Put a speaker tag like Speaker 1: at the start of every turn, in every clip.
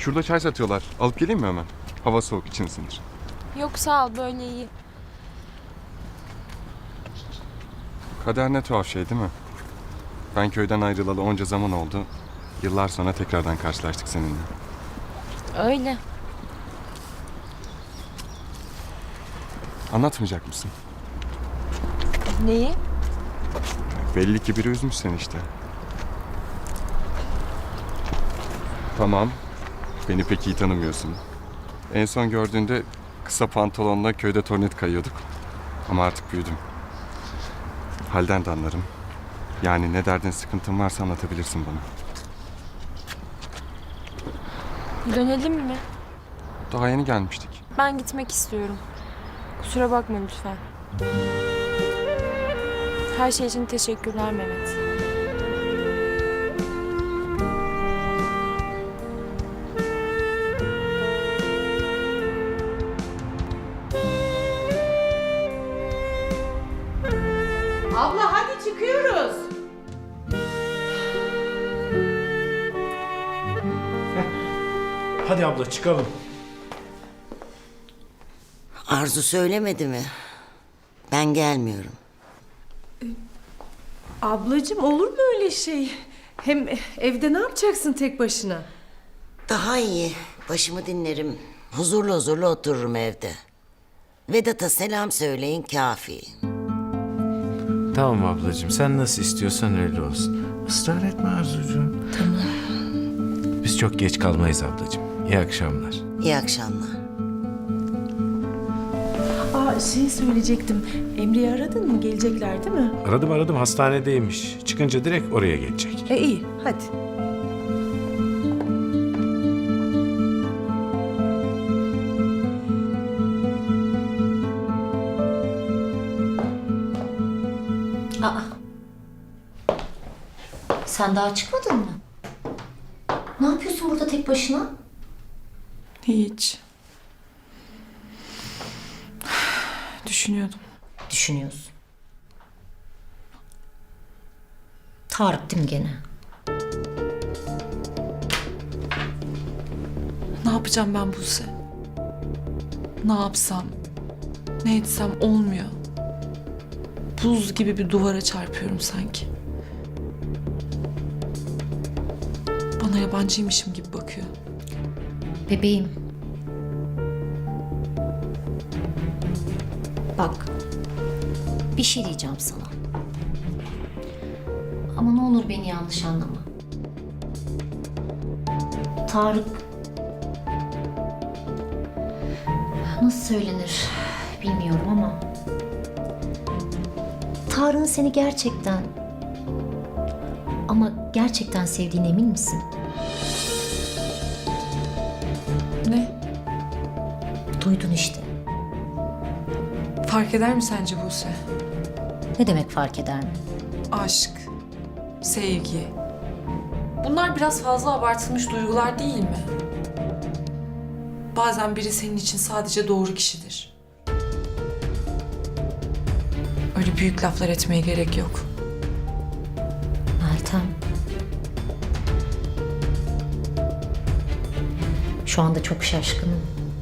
Speaker 1: Şurada çay satıyorlar. Alıp geleyim mi hemen? Hava soğuk, için ısınır.
Speaker 2: Yok sağ ol, böyle iyi.
Speaker 1: Kader ne tuhaf şey değil mi? Ben köyden ayrılalı onca zaman oldu. Yıllar sonra tekrardan karşılaştık seninle.
Speaker 2: Öyle.
Speaker 1: Anlatmayacak mısın?
Speaker 2: Neyi?
Speaker 1: Belli ki biri üzmüş seni işte. Tamam. Beni pek iyi tanımıyorsun. En son gördüğünde kısa pantolonla köyde tornet kayıyorduk. Ama artık büyüdüm. Halden de anlarım. Yani ne derdin, sıkıntın varsa anlatabilirsin bana.
Speaker 2: Dönelim mi?
Speaker 1: Daha yeni gelmiştik.
Speaker 2: Ben gitmek istiyorum. Kusura bakma lütfen. Her şey için teşekkürler Mehmet.
Speaker 3: Abla hadi çıkıyoruz.
Speaker 4: Hadi abla çıkalım.
Speaker 5: Arzu söylemedi mi? Ben gelmiyorum.
Speaker 3: Ablacığım olur mu öyle şey? Hem evde ne yapacaksın tek başına?
Speaker 5: Daha iyi. Başımı dinlerim. Huzurlu huzurlu otururum evde. Vedat'a selam söyleyin kafi.
Speaker 4: Tamam ablacığım, sen nasıl istiyorsan öyle olsun. Israr etme Arzucuğum.
Speaker 5: Tamam.
Speaker 4: Biz çok geç kalmayız ablacığım. İyi akşamlar.
Speaker 5: İyi akşamlar.
Speaker 3: Şey söyleyecektim. Emre'yi aradın mı? Gelecekler değil mi?
Speaker 4: Aradım hastanedeymiş. Çıkınca direkt oraya gelecek.
Speaker 3: İyi hadi.
Speaker 6: Aa. Sen daha çıkmadın mı? Ne yapıyorsun burada tek başına?
Speaker 2: Hiç. Düşünüyordum.
Speaker 6: Düşünüyorsun. Tarık değil mi gene?
Speaker 2: Ne yapacağım ben Buse? Ne yapsam, ne etsem olmuyor. Buz gibi bir duvara çarpıyorum sanki. Bana yabancıymışım gibi bakıyor.
Speaker 6: Bebeğim. Bak. Bir şey diyeceğim sana. Ama ne olur beni yanlış anlama. Tarık... Nasıl söylenir bilmiyorum ama... Tarık'ın seni gerçekten... Ama gerçekten sevdiğine emin misin?
Speaker 2: Ne?
Speaker 6: Duydun işte.
Speaker 2: Fark eder mi sence Buse?
Speaker 6: Ne demek fark eder mi?
Speaker 2: Aşk, sevgi. Bunlar biraz fazla abartılmış duygular değil mi? Bazen biri senin için sadece doğru kişidir. Öyle büyük laflar etmeye gerek yok.
Speaker 6: Meltem. Şu anda çok şaşkınım.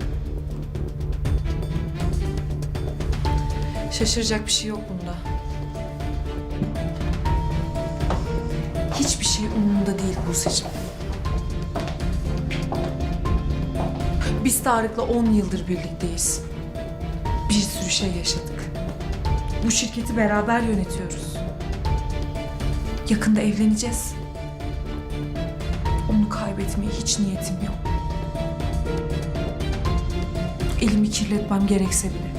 Speaker 2: Şaşıracak bir şey yok bunda. Hiçbir şey umurumda değil Buse'cim. Biz Tarık'la 10 yıldır birlikteyiz. Bir sürü şey yaşadık. Bu şirketi beraber yönetiyoruz. Yakında evleneceğiz. Onu kaybetmeye hiç niyetim yok. Elimi kirletmem gerekse bile.